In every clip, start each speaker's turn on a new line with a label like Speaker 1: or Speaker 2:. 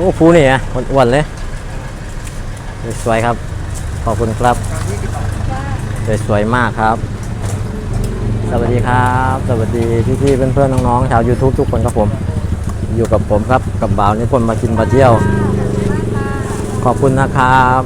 Speaker 1: อ้ภูนี่อ่ะอ้วนๆเลยสวยครับขอบคุณครับสวยมากครับสวัสดีครับสวัสดีพี่ๆเพื่อนๆน้องๆชาว YouTube ทุกคนครับผมอยู่กับผมครับกับบ่าวนิพนธ์มากินมาเที่ยวขอบคุณนะครับ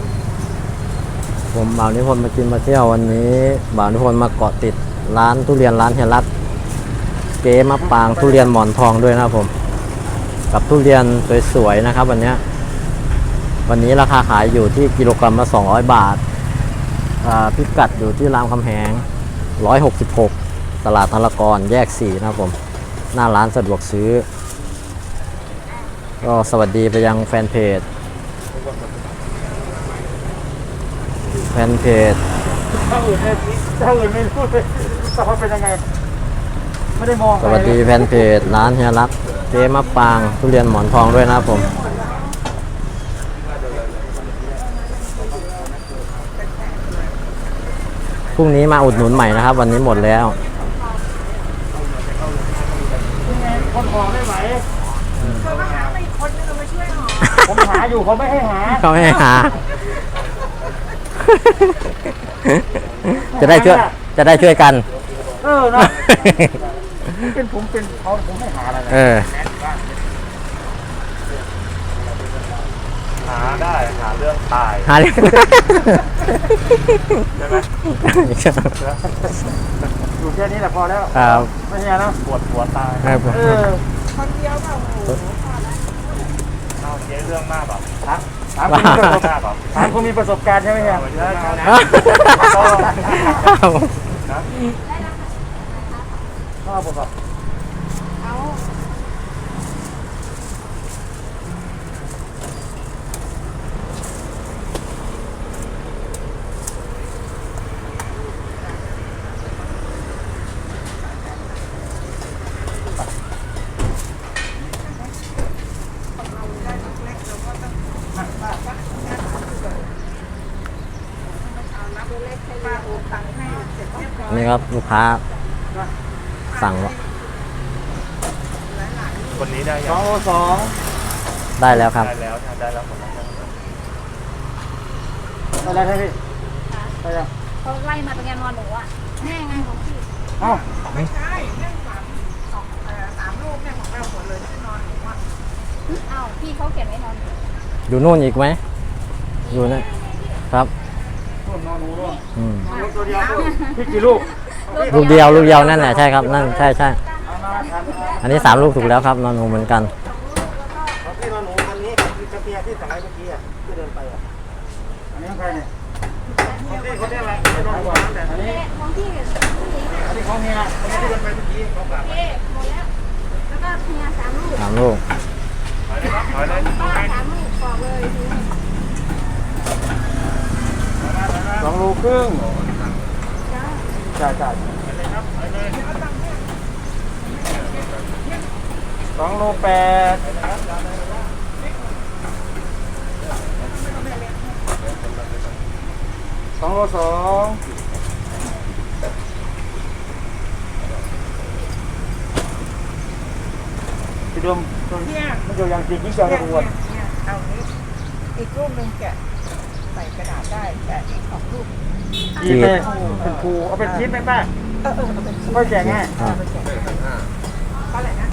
Speaker 1: ผมบ่าวนิพนธ์มากินมาเที่ยววันนี้บ่าวนิพนธ์มาเกาะติดร้านทุเรียนร้านเฮียรัตเก๋มะปางทุเรียนหมอนทองด้วยนะครับผมกับทุเรียนสวยๆนะครับวันนี้ราคาขายอยู่ที่กิโลกรัมละ200 บาทพิกัดอยู่ที่รามคำแหง166ตลาดธารกรแยก4นะครับผมหน้าร้านสะดวกซื้อก็สวัสดีไปยังแฟนเพจถ้าอื่น
Speaker 2: ไม่รู้เลยว่าเป็นยังไงไม่ได้มอง
Speaker 1: สวัสดีแฟนเพจร้านเฮียรัตเจ๊มะปางทุเรียนหมอนทองด้วยนะครับผมพรุ่งนี้มาอุดหนุนใหม่นะครับวันนี้หมดแล้ว
Speaker 2: คนหอไม่ไหวเขามาหาอีกคนนึงมาช่วยหอผมหาอยู่เขาไม่ให้หา
Speaker 1: จะได้ช่วยกัน
Speaker 2: นะเป็นผมเป็นเขาผมไม่หาอะไรหาได้หาเรื่องตาย
Speaker 1: หาเรื่อง
Speaker 2: ใช่ไหมอยู่แค่นี้แหละพอแล้วไม่ใช่นะปวดตายคนเดียวเปล่าเอาเจ๊เรื่องมากเปล่าถามคุณมีประสบการณ์ใช่ไหมครับข้าวผมครับ
Speaker 1: นี่ครับลูกค้าสั่ง
Speaker 2: คนนี้ได้2
Speaker 1: ได้แล้วครับ
Speaker 2: ได้แล้วหมดแล้วได้แล้วใช่พี่ได้แล้ว
Speaker 3: เขาไล่มาเป็นไงนอนหนูอ่ะแม่ไงของพี่
Speaker 2: ไม่ใช่
Speaker 3: เรื่อง3ลูกเนี่ยของเราหมดเลยที่นอนหนูอ่ะพี่เขาเขียนไว้นอนหนู
Speaker 1: อยู่นู่นอีกไหมอยู่นี่ครับ
Speaker 2: นอนหนูด้วยตัวเดียวพี่กี่ลูก
Speaker 1: ลูกเดียวนั่นแหละใช่ครับนั่นใช่อันนี้3 ลูกถูกแล้วครับนอนหนูเหมือนกัน
Speaker 2: พี่นอนหนูอันนี้คือกระเทียที่สั่งไว้เมื่อกี้ที่เดินไปอันนี้ของใครเนี่ยคนนี้อะไรนอนหนูแต่อันนี้
Speaker 3: ของพี่
Speaker 2: อันนี้ของเฮียที่เดินไปเมื่อกี้ของฝาก
Speaker 3: หมดแล้วแล้วก็เฮีย3 ลูก
Speaker 1: 3 ลูก
Speaker 3: ป้า3 ลูกบอกเลย
Speaker 2: 2 ลูกครึ่งใช่2 ลูก 8 2 ลูก 2พี่ดมมันอยู่อย่างจริงยิ่งจะรวน
Speaker 4: เอานี้อีกรูปหนึ่งแกะใส่กระดาษได้แกะอีก2 ลูก
Speaker 2: จีบเป็นภูเอาเป็นชิ้นไหมป้า
Speaker 4: เอาเป็นชิ้น
Speaker 2: ค่อยแกะง่าย
Speaker 4: เท่าไหร่นะ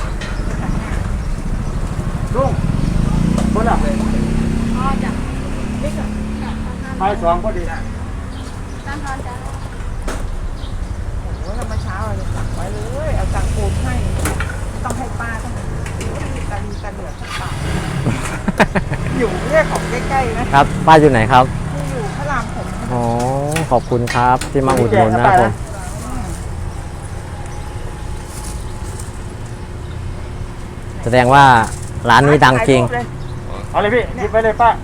Speaker 2: ลุงคนละ
Speaker 3: จ้ะนี่ก็
Speaker 2: ไป2พอดี
Speaker 3: ตั้งนอนจ้ะ
Speaker 4: โอ้โหเรามาเช้าเราสั่งไว้เลยเอาสั่งปูนให้ต้องให้ป้าต้องมีตาดีตาเหลือกสักปากอยู่เรื่องของใกล้ๆนะครับ
Speaker 1: ป้าอยู่ไหนครับ
Speaker 4: อยู่พระรามผม
Speaker 1: อ๋อขอบคุณครับที่มาอุดหนุนนะครับผมแสดงว่าร้านนี้ดังจริง
Speaker 2: เอาเลยพี่หยิบไปเลยป้า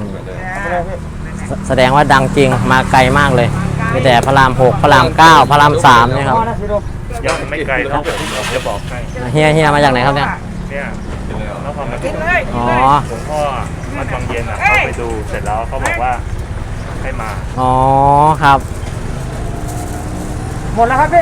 Speaker 1: แสดงว่าดังจริงมาไกลมากเลยมีแต่พระราม 6พระราม 9พระราม 3นี่ครับ
Speaker 2: ยังไม่ไกลนะจะบอกให้
Speaker 1: เฮียมาจากไหนครับเนี่ย
Speaker 2: นครปฐมหลวงพ่อมาตอนเย็นเขาไปดูเสร็จแล้วเขาบอกว่าให้มา
Speaker 1: ครับ
Speaker 2: หมดแล้วครับพี่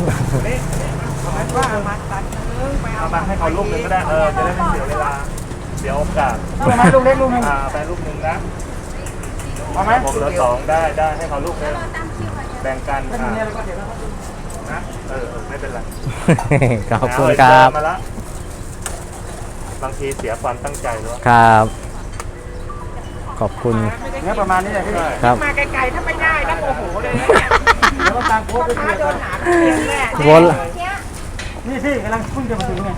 Speaker 4: ว่ามาตัดนึงไปเอา
Speaker 2: มาให้เขาลูกนึงก็ได้จะได้ไม่เสียเวลา
Speaker 5: เดี๋ยวโอกาส
Speaker 2: เอาไหมลูกเล็กลูกนึง
Speaker 5: ไปลูกหนึ่งนะ
Speaker 2: เอาไหม
Speaker 5: ผมเหลือสองได้ให้เขาลูกนึงแบ่งกัน
Speaker 2: ไม่มีอะไรก็เดี๋ยวนะครับ
Speaker 5: นะไม่เป็นไร
Speaker 1: ขอบคุณครับ
Speaker 5: มาละบางทีเสียความตั้งใจด้วย
Speaker 1: ครับ ขอบคุณ
Speaker 2: เนี่ยประมาณนี้แหละพี่
Speaker 1: ครับ
Speaker 4: มาไกลๆถ้าไม่ได้นะโมโหเลยนะเนี่ย
Speaker 2: แล้วก็ตามโค้ดไป
Speaker 4: ถ้า
Speaker 2: เรื่อย
Speaker 4: โดนหาเรียนแน่
Speaker 1: วน
Speaker 2: นี่พี่กำลังเพิ่งจะมาถึงไง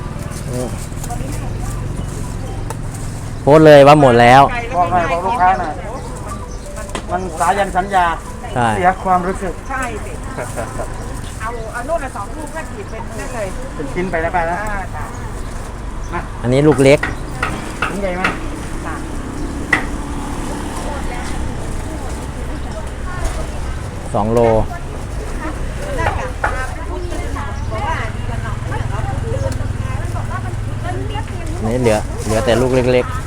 Speaker 1: โพสต์เลยว่าหมดแล้ว
Speaker 2: บอกหน่อยบอกลูกค้าหน่อยมันสายันสัญญา
Speaker 1: ใช่
Speaker 2: เสียความรู้สึก
Speaker 4: ใช่สิเอาโน่นละ2 ลูกก็ขีดเป็นนั่นเลย
Speaker 2: เป็นชิ้นไปแล้วไปนะ
Speaker 4: จ้ะ
Speaker 1: อันนี้ลูกเล็ก
Speaker 2: ชิ้นใหญ่ไหม
Speaker 1: 2 โล นี่เหลือแต่ลูกเล็ก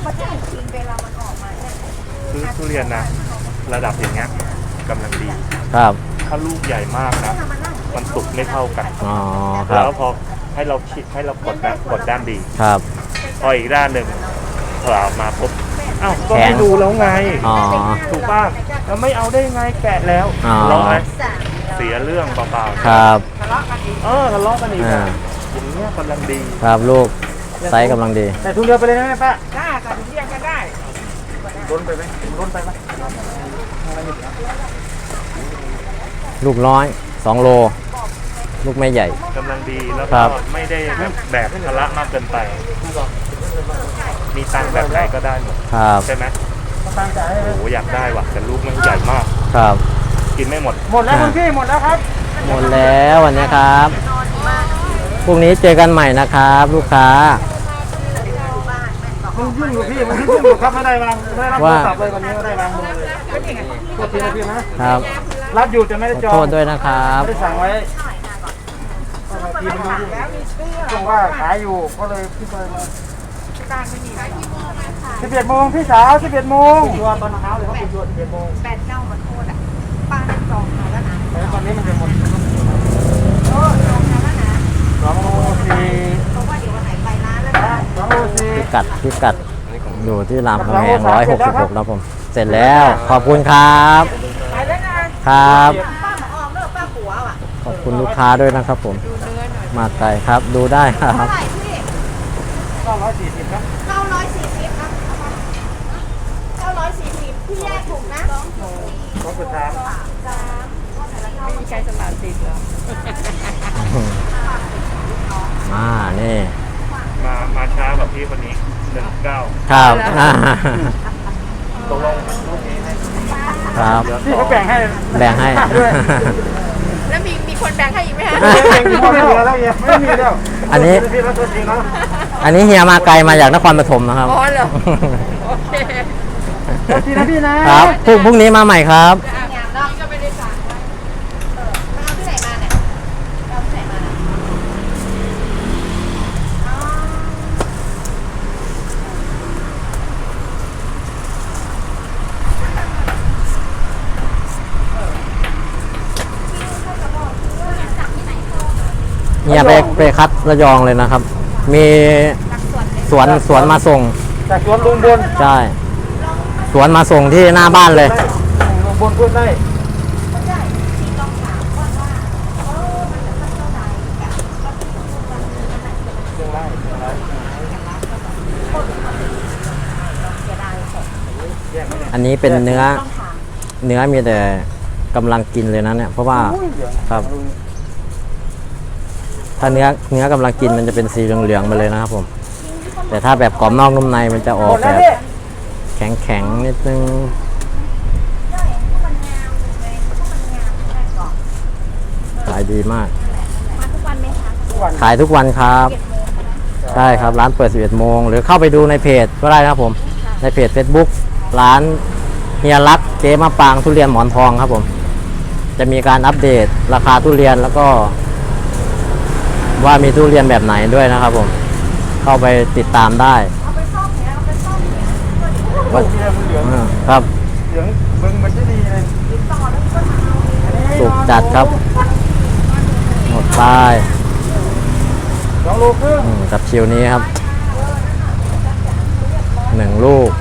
Speaker 5: คือทุเรียนนะระดับอย่างเงี้ยกำลังดี
Speaker 1: ๆ ครับ
Speaker 5: ถ้าลูกใหญ่มากนะมันสุกไม่เท่ากัน
Speaker 1: อ๋อ ครั
Speaker 5: แล้
Speaker 1: บ
Speaker 5: วพอให้เราคิดให้เรากดด้านดี
Speaker 1: ครับ
Speaker 5: พออีกด้านหนึ่งเผลอมาปุ๊บอ้าวก็
Speaker 1: แข็ง
Speaker 5: ไม่ดูแล้วไง
Speaker 1: อ๋อ
Speaker 5: ถูกป่ะแล้วไม่เอาได้ไงแกะแล้ว
Speaker 1: อ๋อ
Speaker 5: เราไหมเสียเรื่องเปล่าๆ
Speaker 1: ครับ
Speaker 4: ทะเลาะกันอีก
Speaker 5: ทะเลาะกันอีก
Speaker 1: อ่า
Speaker 5: อะอย่างเงี้ยกำลังดี
Speaker 1: ครับลูก ไซส์กำลังดี
Speaker 2: แต่ถุงเดียวไปเลยนะแม่ป้า
Speaker 4: ได้ค่ะถึงเรียนกันได้
Speaker 2: ล้นไปไหมล้นไปไหม
Speaker 1: ลูกน้อย 2 โล ลูกไม่ใหญ่
Speaker 5: กำลังดีแล้ว
Speaker 1: ครั
Speaker 5: ก็
Speaker 1: บ
Speaker 5: ไม่ได้แบกภาระมากเกินไป มีตังค์แบบไหนก็ได้หมด
Speaker 1: ครับ
Speaker 5: ใช่ไหม
Speaker 2: ตามจ่ายให้ไหม
Speaker 5: โอ้โหอยากได้ว่ะแต่ลูกมันใหญ่มาก
Speaker 1: ครับ
Speaker 5: กินไม่หมด
Speaker 2: หมดแล้วคุณพี่หมดแล้วครับ
Speaker 1: หมดแล้ววันนี้ครับ พรุ่งนี้เจอกันใหม่นะครับ ลูกค้า
Speaker 2: มันยุ่งอยู่พี่มันยุ่งอยู่ครับไม่ได้วางไม่ได้รับโท
Speaker 1: ว่า
Speaker 2: รศัพท์เลยวันนี้ไม่ได้วางมือเลยโทษทีนะพี่นะครับ รับอยู่แต่ไม่ได้
Speaker 1: ขอ
Speaker 2: จอง
Speaker 1: โทษด้วยนะครับ
Speaker 2: ไม่ได้สั่งไว้ทีมันยุ่ง
Speaker 4: แล้วมีเสื้อ
Speaker 2: ช่วงว่าขายอยู่ก็เลยพี่ไปมา
Speaker 4: การไม่มีอะไร
Speaker 2: 11 โมงพี่สาว11 โมงตัวตอนเช้าเลยเขาปิดตัว11 โมง
Speaker 4: แบตเน่ามันโคตรอ่ะป้าได้จองมาแล้วนะ
Speaker 2: แต่ตอนนี้มันจะหมด
Speaker 4: จองมาแล้วนะ
Speaker 2: 2 โล
Speaker 4: เพราะว่าเดี๋ยววันไหนไปร้านแล้วนะ
Speaker 2: 4 2 โล
Speaker 1: พิกัดอยู่ที่รามคำแหง166แล้วผม เสร็จแล้ว ขอบคุณครับ
Speaker 4: ไปแล้วนะครับ ป้าหมอออมเลิกป้าผัวอ่ะ
Speaker 1: ขอบคุณลูกค้าด้วยนะครับผม
Speaker 4: ดูเนื้อหน่อย
Speaker 1: มาไกลครับ ดูได้ครับ
Speaker 3: เท่าไหร่พี่
Speaker 2: 440ครับ
Speaker 3: 940ครับ940พี่แยกถุงนะ
Speaker 2: 2.3
Speaker 4: มีใจสลัดติดเหรอ
Speaker 1: นี่
Speaker 5: มาช้ากับพี่คนนี้19
Speaker 1: ครับ
Speaker 5: ตกลงลูกนี้ให้
Speaker 1: ครับ
Speaker 2: พี่เขาแบ่งให้
Speaker 1: แบ่งให้
Speaker 2: ด้วย
Speaker 3: แล้วมีคนแบ่งให้อีกไหมฮะ
Speaker 2: แบ่งกี่พ่อแม่แล้วเนี่ยไม่มีแล้ว
Speaker 1: อันนี้
Speaker 2: พี่รับตัวจริงเนาะ
Speaker 1: อันนี้เฮียมาไกลมาจากนครปฐมนะครับ
Speaker 3: อ๋อเหรอ โอเค
Speaker 2: ตัวจริงนะพี่นะครับ
Speaker 1: พรุ่งนี้มาใหม่ครับ
Speaker 3: งานนอกก็ไม่ได้สั่งไว้มาเอาที่ไหนมาเนี่ยเอาที่ไหนมาเนี่ยอ๋อ
Speaker 1: เฮียไปคัดระยองเลยนะครับ มีสวนมาส่ง
Speaker 2: จากสวนลุงบน
Speaker 1: ใช่ สวนมาส่งที่หน้าบ้านเลย
Speaker 2: ลุงบนพูดได้
Speaker 1: อันนี้เป็นเนื้อมีแต่กำลังกินเลยนะเนี่ย เพราะว่า ครับ ถ้าเนื้อกำลังกินมันจะเป็นสีเหลืองๆไปเลยนะครับผม แต่ถ้าแบบกรอบนอกนุ่มในมันจะอ
Speaker 2: ห
Speaker 1: อ
Speaker 2: ม
Speaker 1: ก
Speaker 2: ด
Speaker 1: แบ
Speaker 2: แล้ว
Speaker 1: บ
Speaker 2: พี่
Speaker 1: แข็งๆนิดนึง ขายดีมาก ขายทุกวันครับ ใช่ครับ ร้านเปิด 11 โมง หรือเข้าไปดูในเพจก็ได้นะครับผม ในเพจ Facebook ร้านเฮียรักเจ๊มะปางทุเรียนหมอนทองครับผม จะมีการอัปเดตราคาทุเรียนแล้วก็ ว่ามีทุเรียนแบบไหนด้วยนะครับผม เข้าไปติดตามได้ว่า
Speaker 2: เหลือง
Speaker 1: ครับ
Speaker 2: เหลืองเบิ่งมันจะดีเลย
Speaker 1: สุกจัดครับ หมดไป
Speaker 2: 2 โลครึ่ง
Speaker 1: กับชิวนี้ครับ 1 ลูก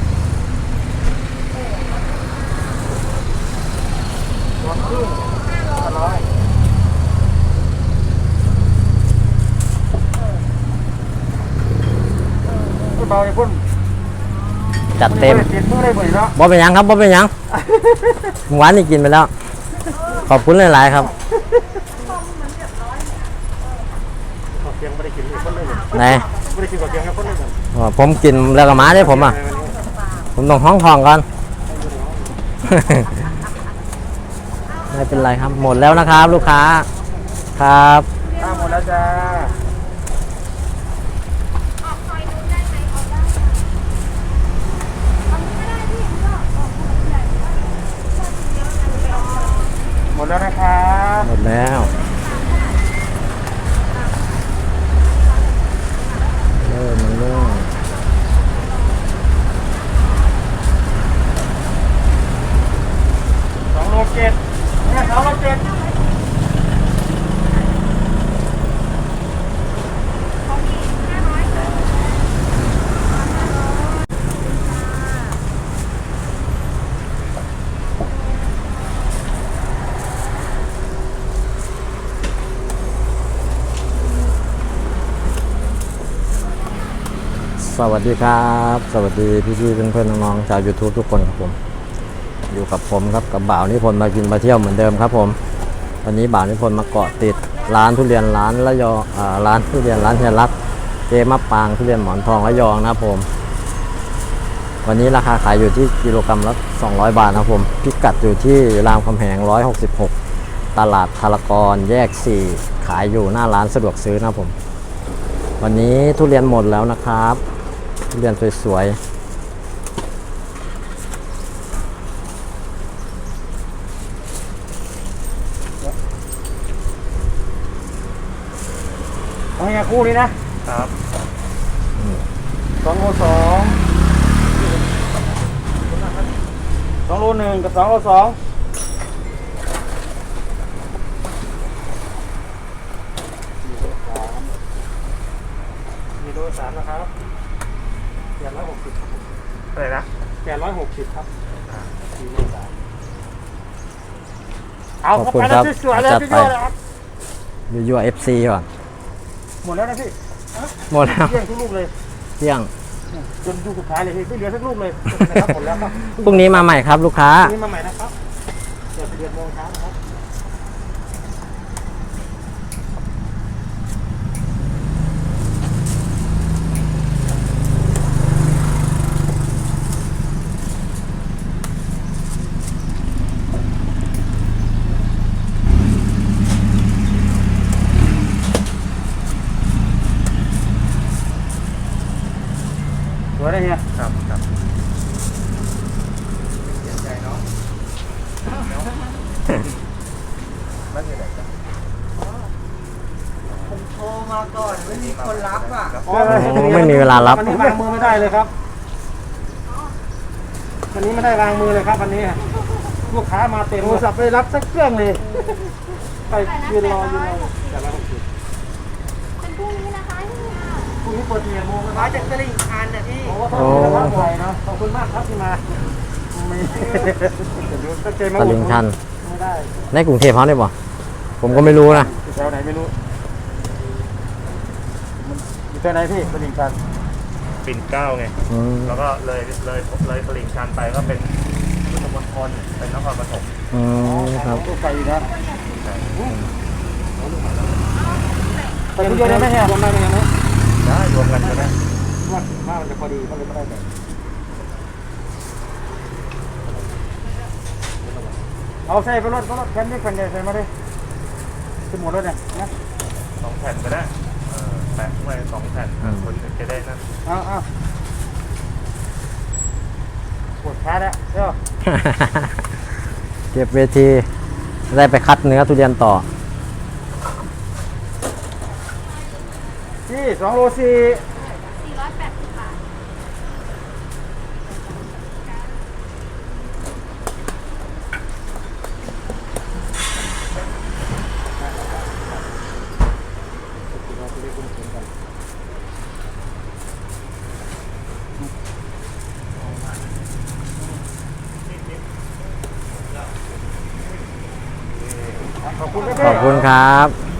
Speaker 2: รวมครึ่ง100เบาๆอย่าพ่น
Speaker 1: จัดเต็ม
Speaker 2: เปลี่ยนมือได้หมดแล้ว
Speaker 1: บ่เป็นหยังครับบ่เป็นหยังเมื่อวานนี่กินไปแล้ว ขอบคุณหลายๆครับ
Speaker 2: เพียงไม่ได้กินเลยคนเลย
Speaker 1: ไหน
Speaker 2: ไม่ได้กินกับเพียงแค่คนเลย
Speaker 1: ผมกินแล้วก็มาได้ผมอ่ะ ผมต้องห้องทองก่อน ไม่เป็นไรครับ หมดแล้วนะครับ ลูกค้าครับ
Speaker 2: หมดแล้วจ้า
Speaker 3: ออกซอยนู้นได้ไหมออกได้ค่ะเอานี้ก็ได้พี่ก็ออกถนนใหญ่ก็เยอะนะไปออก
Speaker 2: หมดแล้วนะครับ
Speaker 1: หมดแล้วมันเริ่ม
Speaker 2: 2 โล 7เนี่ย2 โล 7
Speaker 1: สวัสดีครับ สวัสดีพี่ๆเพื่อนๆน้องๆชาว YouTube ทุกคนครับผม อยู่กับผมครับกับบ่าวนิพนธ์มากินมาเที่ยวเหมือนเดิมครับผมวันนี้บ่าวนิพนธ์มาเกาะติดร้านทุเรียนร้านระยองร้านทุเรียนร้านเฮียรักเจมะปางทุเรียนหมอนทองระยองนะครับผม วันนี้ราคาขายอยู่ที่กิโลกรัมละ200 บาทนะครับผมพิกัดอยู่ที่รามคำแหง166ตลาดธารกรแยก4ขายอยู่หน้าร้านสะดวกซื้อนะครับผมวันนี้ทุเรียนหมดแล้วนะครับทุเรียนสวยๆ
Speaker 2: เอาให้คู่นี้นะครับ 2 โล 2 2 โล 1 กับ 2 โล 2มีโล 3นะครับ860
Speaker 5: อะไรนะ
Speaker 2: 860ครับ4 โล 3เอา
Speaker 1: ขอบ
Speaker 2: เข้า
Speaker 1: คุณ
Speaker 2: ไป
Speaker 1: ค
Speaker 2: แล้
Speaker 1: รั
Speaker 2: ว
Speaker 1: บ
Speaker 2: สวยๆเลย
Speaker 1: จัด
Speaker 2: พี่
Speaker 1: ไป
Speaker 2: โยเลยครับ
Speaker 1: ยั่วๆ FC ก่อน
Speaker 2: หมดแล้วนะพี่
Speaker 1: หมดแล้ว
Speaker 2: เที่ยงทุกลูกเลย
Speaker 1: เที่ยง
Speaker 2: จนลูกสุดท้ายเลยพี่ไม่เหลือสักลูกเลยนะครับหมดแล้วครับ
Speaker 1: พรุ่งนี้มาใหม่ครับลูกค้า
Speaker 2: นี่มาใหม่นะครับเดี๋ยว11 โมงเช้านะครับ สวยเลยเนี่ย
Speaker 5: ครับครับเสียใจเนาะไม่เป็นไรครับ
Speaker 4: ผมโทรมาก่อนไม่มีคนรับอ่ะ
Speaker 1: ไม่มีเวลารับ
Speaker 2: วันนี้วางมือไม่ได้เลยครับวันนี้ไม่ได้วางมือเลยครับวันนี้ลูกค้ามาเต็มโทรศัพท์ไปรับสักเครื่องเลยไปยืนรอแต่ละ60
Speaker 3: เป็นพรุ่งนี้นะคะที่งาน
Speaker 2: พรุ่งนี้เปิด11 โมงนะค
Speaker 4: มา
Speaker 2: รับ
Speaker 4: จากตลิ่งชันนะพี่
Speaker 2: โอ้ขอบคุณนะครับบ่อยเนาะขอบคุณมากครับที่มาไม่ตั้งใจมา
Speaker 1: ตลิ่งชัน
Speaker 2: ไม่ได้
Speaker 1: ในกรุงเทพเขาได้ป่ะผมก็ไม่รู้นะ
Speaker 2: อยู่แถวไหนไม่รู้อยู่แถวไหนพี่ตลิ่งชัน
Speaker 5: ปิ่นเกล้าไง
Speaker 1: อืม
Speaker 5: แล้วก็เลยตลิ่งชันไปก็เป็นพุทธมณฑลเป็นนครปฐม
Speaker 1: อืมครับ
Speaker 2: ลูกไฟอยู่นะไปคนเดียวได้ไหมเนี่ยรวมได้ไหมเนี่ย
Speaker 5: ได้รวมกันก็ได้
Speaker 2: ว่ามันจะพอดีก็เลยไม่ได้แบบเอาใส่ไปรถแผ่นนี้แผ่นใหญ่ใส่มาดิขึ้นหมดแล้วเนี่ยนะ
Speaker 5: 2 แผ่นก็ได้แปะไว้2 แผ่นคนจะได้นั่น
Speaker 2: เอาปวดขาแล้วเดี๋ยว
Speaker 1: เก็บเวทีได้ไปคัดเนื้อทุเรียนต่อ
Speaker 2: พี่2 โล 4
Speaker 3: 480 บาท
Speaker 2: เขอบคุณครับ
Speaker 1: ขอบคุณครับ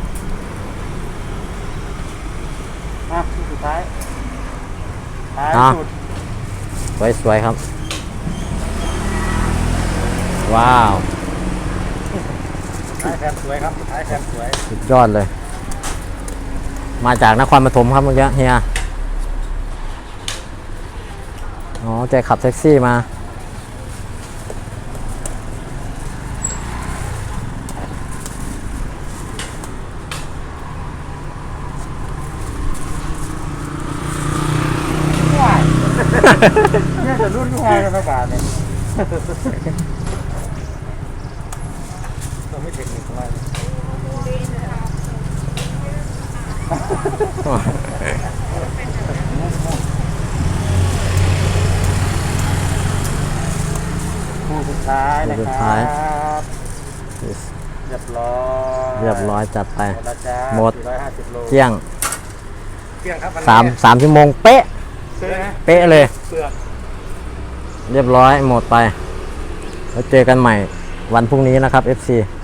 Speaker 2: อ่ะสุดท้ายท้าย
Speaker 1: อ่ะ
Speaker 2: สุด
Speaker 1: สวยๆครับ ว้าว
Speaker 2: ท้ายแคมสวยครับท้ายแคมสวย
Speaker 1: สุดยอดเลย มาจากนครปฐมครับเมื่อกี้เฮีย อ๋อแกขับแท็กซี่มา
Speaker 2: เนี่ยจะรุ่นที่ไงกันประกาศเนี่ยเราไม่เทคนิคอะไรคู่สุดท้ายนะ
Speaker 1: คู่สุด
Speaker 2: ค
Speaker 1: ท้าย
Speaker 2: รับเรียบร้อย
Speaker 1: เรียบร้อยจัดไป
Speaker 2: หมดแล้วจ้า
Speaker 1: หมด
Speaker 2: 450 โล
Speaker 1: เที่ยง
Speaker 2: เที่ยงครับ
Speaker 1: 3 ชั่วโมงเป๊ะ
Speaker 2: ซื้อไหม
Speaker 1: เป๊ะเลย
Speaker 2: เปลือก
Speaker 1: เรียบร้อยหมดไป แล้วเจอกันใหม่วันพรุ่งนี้นะครับ FC